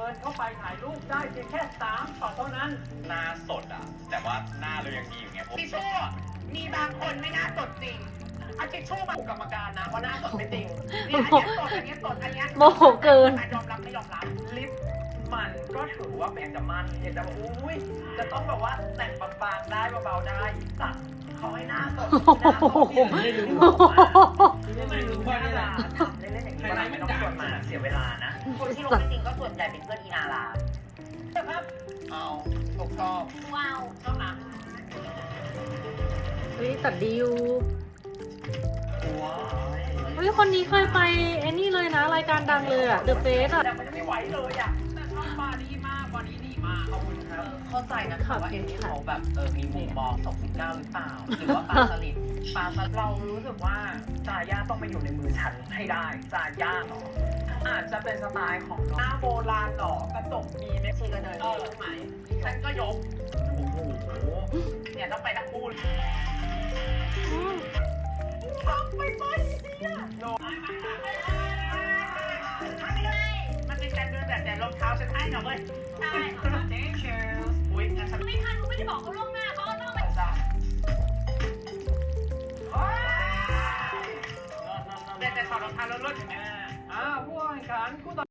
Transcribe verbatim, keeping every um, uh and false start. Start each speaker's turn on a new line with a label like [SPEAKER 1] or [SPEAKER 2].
[SPEAKER 1] นเข้าไปถ่ายรูปได้เพียงแค่สามช็อตเท่านั้นหน้าสดอ่ะแต่ว่าหน้าเรายังดีอยู่ไงทิชชู่มีบางคนไม่น่าสดจริงเอาทิชชู่มาถูกกรรมการนะว่าหน้าสดไม่จริงนี่อันนี้สดอันนี้สดอันนี้
[SPEAKER 2] โมโหเกิน
[SPEAKER 1] ยอมรับไม่ยอมรับลิปมันก็ถือว่าเป็นจะมันอยากจะบอกอุ้ยจะต้องแบบว่าแต่งบางๆได้เบาๆได้ตัดเขาให้หน้าสดหน้าสดไม่รู้ไม่รู้ว่าเล่นเล่นอย่างนี้ไม่ต้องชวนมาเสียเวลานะคนที่ลงจริงก็ส่วนใหญ่เป็นเพื่อนอีนาลาครับเอาถูกต้องว้าวต้องนะ
[SPEAKER 2] เฮ้ยตัดดีอยู่
[SPEAKER 1] ว้าว
[SPEAKER 2] เฮ้ยคนนี้เคยไปไอ้นี่เลยนะรายการดังเลยอะ The Face อะ
[SPEAKER 1] แต่มันจะไม่ไหวเลยอะแต่ชอบบาดีมากบาดีดีมากขอบคุณครับเข้าใจนะคะว่าเอ็นนี่เขาแบบเออมีมุมมองสองสิบเก้าหรือเปล่าหรือว่าปลาสลิดปลาสลิดเรารู้สึกว่าจาย่าต้องมาอยู่ในมือฉันให้ได้จาย่าเหรออาจจะเป็นสไตล์ของหน้าโบราณหรอกระจกมีไหมชีกระเดินเออใช่ไหมฉันก็ยกโอ้โหเนี่ยต้องไปทั้งคู่ทำไปไปเนี่ยโน้มันเป็นการเดินแบบแต่รองเท้าฉันให้หน่อยเว้ยใช่เจ๊เชลส์อุ้ยงั้นฉันไม่ทันไม่ได้บอกเขาล่วงหน้าเขาก็ต้องไปจ้ะแต่แต่ถอดรองเท้าแล้วลดอย่างเงี้ยอ่าผู้แข่งขันคู่ต่อ